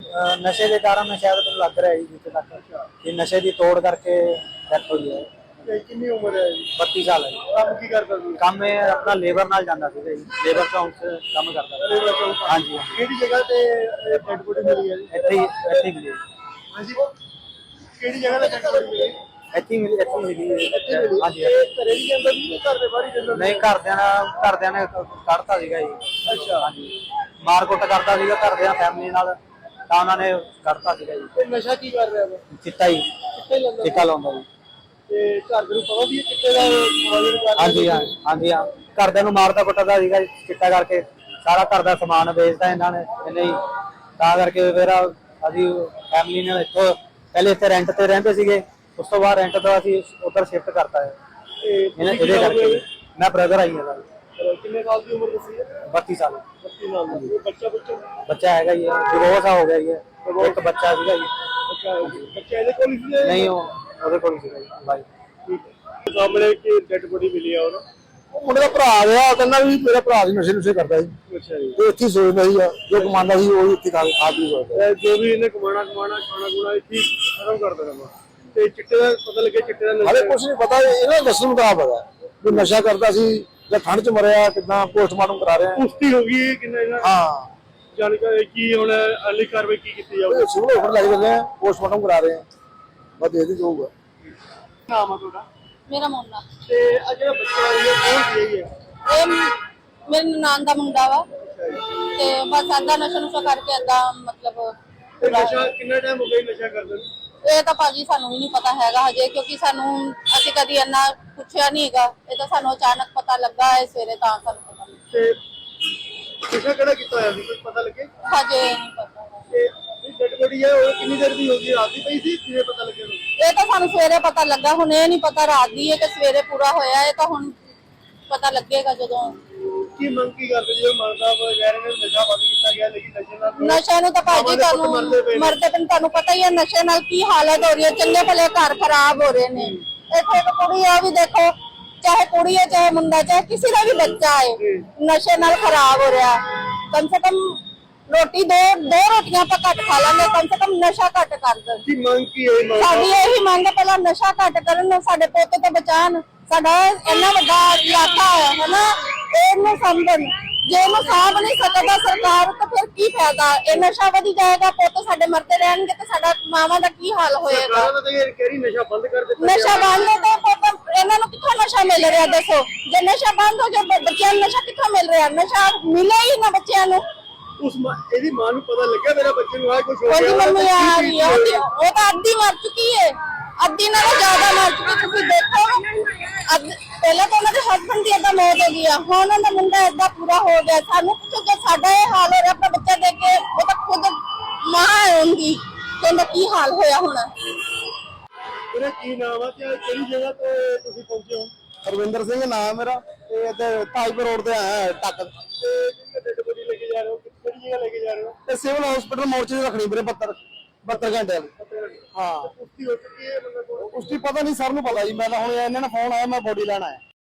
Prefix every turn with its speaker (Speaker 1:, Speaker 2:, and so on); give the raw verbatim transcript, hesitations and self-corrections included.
Speaker 1: ਅਹ ਨਸ਼ੇ ਦੇ ਕਾਰਨ ਸ਼ਾਇਦ ਮੈਨੂੰ ਲੱਗ ਰਿਹਾ ਜੀ ਜਿੱਥੇ ਤੱਕ ਕਿ ਨਸ਼ੇ ਦੀ ਤੋੜ ਕਰਕੇ ਡੈਥ ਹੋਈ ਹੈ।
Speaker 2: ਤੇ ਕਿੰਨੀ ਉਮਰ ਹੈ ਜੀ?
Speaker 1: ਬੱਤੀ ਸਾਲ ਹੈ ਜੀ।
Speaker 2: ਕੰਮ ਕੀ ਕਰਦਾ ਸੀ?
Speaker 1: ਕੰਮ ਇਹ ਆਪਣਾ ਲੇਬਰ ਨਾਲ ਜਾਂਦਾ ਸੀਗਾ ਜੀ, ਲੇਬਰ ਚੌਂਕ 'ਚ ਕੰਮ ਕਰਦਾ ਸੀ।
Speaker 2: ਲੇਬਰ ਚੌਂਕ?
Speaker 1: ਹਾਂਜੀ
Speaker 2: ਕਿਹੜੀ ਜਗ੍ਹਾ ਤੇ ਡੈਡ ਬੋਡੀ ਮਿਲੀ ਹੈ ਜੀ?
Speaker 1: ਇੱਥੇ ਹੀ ਇੱਥੇ ਹੀ ਮਿਲੀ
Speaker 2: ਹਾਂਜੀ, ਕਿਹੜੀ ਜਗ੍ਹਾ ਤੇ ਡੈਡ ਬੋਡੀ ਮਿਲੀ?
Speaker 1: ਇੱਥੇ ਹੀ ਮਿਲੀ ਇੱਥੇ ਹੀ ਮਿਲੀ
Speaker 2: ਇੱਥੇ ਮਿਲੀ?
Speaker 1: ਹਾਂਜੀ।
Speaker 2: ਇਹ ਘਰੇ ਨਹੀਂ ਜਾਂਦਾ ਸੀ, ਘਰ ਦੇ ਬਾਹਰ ਹੀ ਜਾਂਦਾ ਸੀ?
Speaker 1: ਨਹੀਂ, ਘਰਦਿਆਂ ਨਾਲ ਘਰਦਿਆਂ ਨੇ ਕੱਢਤਾ ਸੀਗਾ ਜੀ।
Speaker 2: ਅੱਛਾ।
Speaker 1: ਹਾਂਜੀ, ਮਾਰ ਕੁੱਟ ਕਰਦਾ ਸੀਗਾ ਘਰਦਿਆਂ ਫੈਮਿਲੀ ਨਾਲ, ਤਾਂ ਉਹਨਾਂ ਨੇ ਕੱਢਤਾ ਸੀਗਾ ਜੀ।
Speaker 2: ਤੇ ਨਸ਼ਾ ਕੀ ਕਰ ਰਿਹਾ ਵਾ?
Speaker 1: ਚਿੱਟਾ ਹੀ
Speaker 2: ਚਿੱਟਾ ਹੀ ਲਾਉਂਦਾ?
Speaker 1: ਚਿੱਟਾ ਲਾਉਂਦਾ ਜੀ।
Speaker 2: ਤੇ ਘਰ ਦੇ ਨੂੰ ਪਤਾ ਵੀ ਇਹ ਚਿੱਟੇ ਦਾ ਕਾਰੋਬਾਰ ਕਰ ਰਿਹਾ?
Speaker 1: ਹਾਂਜੀ ਹਾਂ ਹਾਂਜੀ ਹਾਂ, ਘਰਦਿਆਂ ਨੂੰ ਮਾਰਦਾ ਕੁੱਟਦਾ ਸੀਗਾ ਜੀ ਚਿੱਟਾ ਕਰਕੇ, ਸਾਰਾ ਘਰ ਦਾ ਸਮਾਨ ਵੇਚਦਾ ਇਹਨਾਂ ਨੇ ਇਹਨੇ ਹੀ, ਤਾਂ ਕਰਕੇ ਫਿਰ ਅਸੀਂ ਫੈਮਿਲੀ ਨੇ ਇੱਥੋਂ ਪਹਿਲੇ ਇੱਥੇ ਰੈਂਟ ਤੇ ਰਹਿੰਦੇ ਸੀਗੇ, ਉਸ ਤੋਂ ਬਾਅਦ ਰੈਂਟ ਤੋਂ ਅਸੀਂ ਉੱਧਰ ਸ਼ਿਫਟ ਕਰਤਾ ਹੈ।
Speaker 2: ਤੇ
Speaker 1: ਇਹਦੇ ਕਰਕੇ ਮੈਂ ਬ੍ਰਦਰ ਆਈ ਹਾਂ।
Speaker 2: ਕਿੰਨੇ ਸਾਲ ਦੀ ਉਮਰ ਦੱਸੀ ਹੈ?
Speaker 1: ਬੱਤੀ ਸਾਲ।
Speaker 2: ਬੱਤੀ ਸਾਲ ਦੀ। ਬੱਚਾ ਬੱਚਾ
Speaker 1: ਬੱਚਾ ਹੈਗਾ ਜੀ, ਡਿਵੋਰਸ ਹੋ ਗਿਆ ਜੀ, ਇੱਕ ਬੱਚਾ ਸੀਗਾ ਜੀ।
Speaker 2: ਬੱਚਾ ਬੱਚਾ ਇਹਦੇ ਕੋਲ ਹੀ ਸੀ?
Speaker 1: ਨਹੀਂ, ਉਹ ਉਹਦੇ ਕੋਲ ਸੀਗਾ ਜੀ ਬਾਈ।
Speaker 2: ਠੀਕ ਹੈ। ਸਾਹਮਣੇ ਕਿ ਡੈਡ ਬੋਡੀ ਮਿਲੀ ਆ ਉਹਨੂੰ?
Speaker 3: ਉਹ ਮੁੰਡੇ ਦਾ ਭਰਾ ਆ, ਕਹਿੰਦਾ ਵੀ ਮੇਰਾ ਭਰਾ ਦੀ ਨਸ਼ੇ ਨੁਸ਼ੇ ਕਰਦਾ ਸੀ।
Speaker 2: ਅੱਛਾ ਜੀ।
Speaker 3: ਤੇ ਇੱਥੇ ਸੋਚਦਾ ਸੀ ਜੋ ਕਮਾਉਂਦਾ ਸੀ ਉਹ ਇੱਥੇ ਖਾ ਖਾ ਪੀ ਸਕਦਾ।
Speaker 2: ਜੋ ਵੀ ਇਹਨੇ ਕਮਾਣਾ ਕਮਾਣਾ ਖਾਣਾ ਖੁਣਾ ਇੱਥੇ ਖਤਮ ਕਰ ਦੇਣਾ। ਤੇ ਚਿੱਟੇ ਦਾ ਪਤਾ ਲੱਗਿਆ, ਚਿੱਟੇ ਦਾ
Speaker 3: ਹਾਲੇ ਕੁਛ ਨਹੀਂ ਪਤਾ, ਇਹਨਾਂ ਦੱਸਣ ਮੁਤਾਬਕ ਹੈ ਵੀ ਨਸ਼ਾ ਕਰਦਾ ਸੀ ਜਾਂ ਠੰਡ ਚ ਮਰਿਆ, ਕਿੱਦਾਂ ਪੋਸਟਮਾਰਟਮ ਕਰਾ ਰਹੇ ਆ।
Speaker 2: ਪੁਸ਼ਟੀ ਹੋ ਗਈ ਕਿੰਨਾ ਇਹਨਾਂ?
Speaker 3: ਹਾਂ,
Speaker 2: ਜਾਣਕਾਰੀ ਕੀ ਹੁਣ ਅਗਲੀ ਕਾਰਵਾਈ ਕੀ ਕੀਤੀ ਜਾਊਗੀ?
Speaker 3: ਸਿਵਲ ਹਸਪਤਾਲ ਲੈ ਕੇ ਚੱਲੇ ਆ, ਪੋਸਟਮਾਰਟਮ ਕਰਾ ਰਹੇ ਆ, ਬਸ ਦੇਖਦੇ ਜਾਊਗਾ।
Speaker 2: ਨਾਮ ਆ ਤੁਹਾਡਾ?
Speaker 4: ਮੇਰਾ ਮੁੰਡਾ
Speaker 2: ਤੇ ਆ ਜਿਹੜਾ ਬੱਚਾ ਹੈ ਕੌਣ ਸੀ ਇਹ?
Speaker 4: ਇਹ ਮੇਰੇ ਨਨਾਣ ਦਾ ਮੁੰਡਾ ਵਾ, ਤੇ ਬਸ ਏਦਾਂ ਨਸ਼ਾ ਨੁਸ਼ਾ ਕਰਕੇ ਏਦਾਂ ਮਤਲਬ
Speaker 2: ਤੇ ਨਸ਼ਾ ਕਿੰਨਾ ਟਾਈਮ ਹੋ ਗਿਆ ਨਸ਼ਾ ਕਰਦੇ ਨੂੰ?
Speaker 4: ਇਹ ਤਾਂ ਭਾਜੀ ਸਾਨੂੰ ਵੀ ਨਹੀਂ ਪਤਾ ਹੈਗਾ ਹਜੇ, ਕਿਉਂਕਿ ਸਾਨੂੰ ਅਸੀਂ ਕਦੀ ਇੰਨਾ ਪੁੱਛਿਆ ਨਹੀਂ ਹੈਗਾ। ਇਹ ਤਾਂ ਸਾਨੂੰ ਅਚਾਨਕ ਪਤਾ ਲੱਗਾ ਹੈ ਸਵੇਰੇ, ਤਾਂ ਸਾਨੂੰ ਪਤਾ ਲੱਗਾ।
Speaker 2: ਤੇ ਨਸ਼ਾ ਕਿਹੜਾ ਕੀਤਾ ਹੋਇਆ ਸੀ, ਕੁਝ ਪਤਾ ਲੱਗੇ?
Speaker 4: ਹਜੇ ਨਹੀਂ ਪਤਾ।
Speaker 2: ਤੇ ਇਹ ਡੈਡ ਬੋਡੀ ਹੈ ਉਹ ਕਿੰਨੀ ਦੇਰ ਦੀ ਹੋ ਗਈ? ਰਾਤ ਦੀ ਪਈ ਸੀ, ਕਿਵੇਂ ਪਤਾ ਲੱਗਿਆ?
Speaker 4: ਇਹ ਤਾਂ ਸਾਨੂੰ ਸਵੇਰੇ ਪਤਾ ਲੱਗਾ, ਹੁਣ ਇਹ ਨਹੀਂ ਪਤਾ ਰਾਤ ਦੀ ਹੈ ਕਿ ਸਵੇਰੇ ਪੂਰਾ ਹੋਇਆ। ਇਹ ਤਾਂ ਹੁਣ ਪਤਾ ਲੱਗੇਗਾ ਜਦੋਂ।
Speaker 2: ਕੀ ਮੰਗ ਕੀ ਕਰਦੇ ਜੀ? ਮਰਦਾ ਵਗੈਰਾ ਨੇ ਨਸ਼ਾ ਬੰਦ ਕੀਤਾ ਗਿਆ, ਲੇਕਿਨ ਨਸ਼ੇ ਨਾਲ
Speaker 4: ਨਸ਼ੇ ਨੂੰ ਤਾਂ ਭਾਜੀ ਤੁਹਾਨੂੰ ਮਰਦੇ ਪਏ ਤੁਹਾਨੂੰ ਪਤਾ ਹੀ ਹੈ ਨਸ਼ੇ ਨਾਲ ਕੀ ਹਾਲਤ ਹੋ ਰਹੀ ਹੈ। ਚੰਗੇ ਭਲੇ ਘਰ ਖਰਾਬ ਹੋ ਰਹੇ ਨੇ। ਇੱਥੇ ਇੱਕ ਕੁੜੀ ਆ ਵੀ ਦੇਖੋ, ਚਾਹੇ ਕੁੜੀ ਹੈ ਚਾਹੇ ਮੁੰਡਾ ਚਾਹੇ ਕਿਸੇ ਦਾ ਵੀ ਬੱਚਾ ਹੈ, ਨਸ਼ੇ ਨਾਲ ਖਰਾਬ ਹੋ ਰਿਹਾ। ਕਮ ਸੇ ਕਮ ਰੋਟੀ ਦੋ ਦੋ ਰੋਟੀਆਂ ਆਪਾਂ ਘੱਟ ਖਾ ਲਾਂਗੇ, ਕਮ ਸੇ ਕਮ ਨਸ਼ਾ ਘੱਟ ਕਰ ਦੇਣ।
Speaker 2: ਕੀ ਮੰਗ ਕੀ ਹੈ?
Speaker 4: ਸਾਡੀ ਇਹੀ ਮੰਗ ਹੈ, ਪਹਿਲਾਂ ਨਸ਼ਾ ਘੱਟ ਕਰਨ, ਸਾਡੇ ਪੋਤੇ ਤੋਂ ਬਚਾਉਣ। ਸਾਡਾ ਇੰਨਾ ਵੱਡਾ ਇਲਾਕਾ ਹੈ ਹਨਾ, ਇਹਨੂੰ ਸਮਝਣ। ਜੇ ਇਹਨੂੰ ਸਾਂਭ ਨਹੀਂ ਸਕਦਾ ਸਰਕਾਰ ਤਾਂ ਫਿਰ ਕੀ ਫਾਇਦਾ? ਇਹ ਨਸ਼ਾ ਵਧੀ ਜਾਏਗਾ, ਪੁੱਤ ਸਾਡੇ ਮਰਦੇ ਰਹਿਣਗੇ ਤੇ ਸਾਡਾ ਮਾਵਾਂ ਦਾ ਕੀ ਹਾਲ ਹੋਏਗਾ?
Speaker 2: ਸਰਕਾਰ ਤਾਂ ਇਹ ਕਹਿ ਰਹੀ ਨਸ਼ਾ ਬੰਦ ਕਰ ਦਿੱਤਾ।
Speaker 4: ਨਸ਼ਾ ਬੰਦ ਤਾਂ ਪੁੱਤ ਇਹਨਾਂ ਨੂੰ ਕਿੱਥੋਂ ਨਸ਼ਾ ਮਿਲ ਰਿਹਾ ਦੱਸੋ? ਜੇ ਨਸ਼ਾ ਬੰਦ ਹੋ ਜਾਏ ਬੱਚਿਆਂ ਨੂੰ ਨਸ਼ਾ ਕਿੱਥੋਂ ਮਿਲ ਰਿਹਾ? ਨਸ਼ਾ ਮਿਲੇ ਹੀ ਨਾ ਬੱਚਿਆਂ ਨੂੰ।
Speaker 2: ਉਸ ਇਹਦੀ ਮਾਂ ਨੂੰ ਪਤਾ ਲੱਗਿਆ ਮੇਰਾ ਬੱਚੇ ਨੂੰ ਆ ਕੁਝ ਹੋ
Speaker 4: ਉਹਦੀ
Speaker 2: ਗਿਆ?
Speaker 4: ਮੰਮੀ ਆ ਰਹੀ ਹੈ, ਉਹਦੀ ਉਹ ਤਾਂ ਅੱਧੀ ਮਰ ਚੁੱਕੀ ਹੈ, ਅੱਧੀ ਨਾਲੋਂ ਜ਼ਿਆਦਾ ਮਰ ਚੁੱਕੀ। ਤੁਸੀਂ ਦੇਖੋ, ਅੱਜ ਪਹਿਲਾਂ ਤਾਂ ਉਹਨਾਂ ਦੇ ਹਸਬੰਡ ਦੀ ਏਦਾਂ ਮੌਤ ਹੋ ਗਈ ਆ, ਹੁਣ ਉਹਨਾਂ ਦਾ ਮੁੰਡਾ ਏਦਾਂ ਪੂਰਾ ਹੋ ਗਿਆ। ਸਾਨੂੰ ਪੁੱਛੋ ਕਿ ਸਾਡਾ ਇਹ ਹਾਲ ਹੋ ਰਿਹਾ, ਆਪਣਾ ਬੱਚਾ ਦੇਖ ਕੇ ਉਹ ਤਾਂ ਖੁਦ ਮਾਂ ਹੋਊਗੀ ਕਿ ਉਹਦਾ ਕੀ ਹਾਲ ਹੋਇਆ ਹੋਣਾ।
Speaker 2: ਤੇਰਾ ਕੀ ਨਾਮ ਆ ਤੇ ਕਿਹੜੀ ਜਗ੍ਹਾ ਤੇ ਤੁਸੀਂ ਪਹੁੰਚੇ ਹੋ?
Speaker 3: ਹਰਵਿੰਦਰ ਸਿੰਘ ਨਾਮ ਮੇਰਾ, ਤੇ ਇੱਥੇ ਤਾਜਪੁਰ ਰੋਡ ਤੇ ਆਇਆ ਟੱਕ
Speaker 2: ਤੇ ਜਿਹੜੀ ਡੈਡ ਬੋਡੀ ਲੈ ਕੇ ਜਾ ਰਹੇ ਹੋ, ਕਿਹੜੀ ਜਗ੍ਹਾ ਲੈ ਕੇ ਜਾ ਰਹੇ ਹੋ?
Speaker 3: ਤੇ ਸਿਵਲ ਹਸਪਤਾਲ ਮੋਰਚੇ 'ਚ ਰੱਖਣੀ ਵੀਰੇ ਬਹੱਤਰ ਬਹੱਤਰ ਘੰਟੇ ਵਾਲੀ। ਹਾਂ,
Speaker 2: ਪੁਸ਼ਟੀ ਹੋ ਚੁੱਕੀ ਹੈ ਬੰਦਾ ਕੋਲ?
Speaker 3: ਉਸ ਦੀ ਪਤਾ ਨਹੀਂ, ਸਰ ਨੂੰ ਪਤਾ ਜੀ। ਮੈਂ ਤਾਂ ਹੁਣ ਇਹਨਾਂ ਨੇ ਫੋਨ ਆਇਆ, ਮੈਂ ਬੋਡੀ ਲੈਣ ਆਇਆ।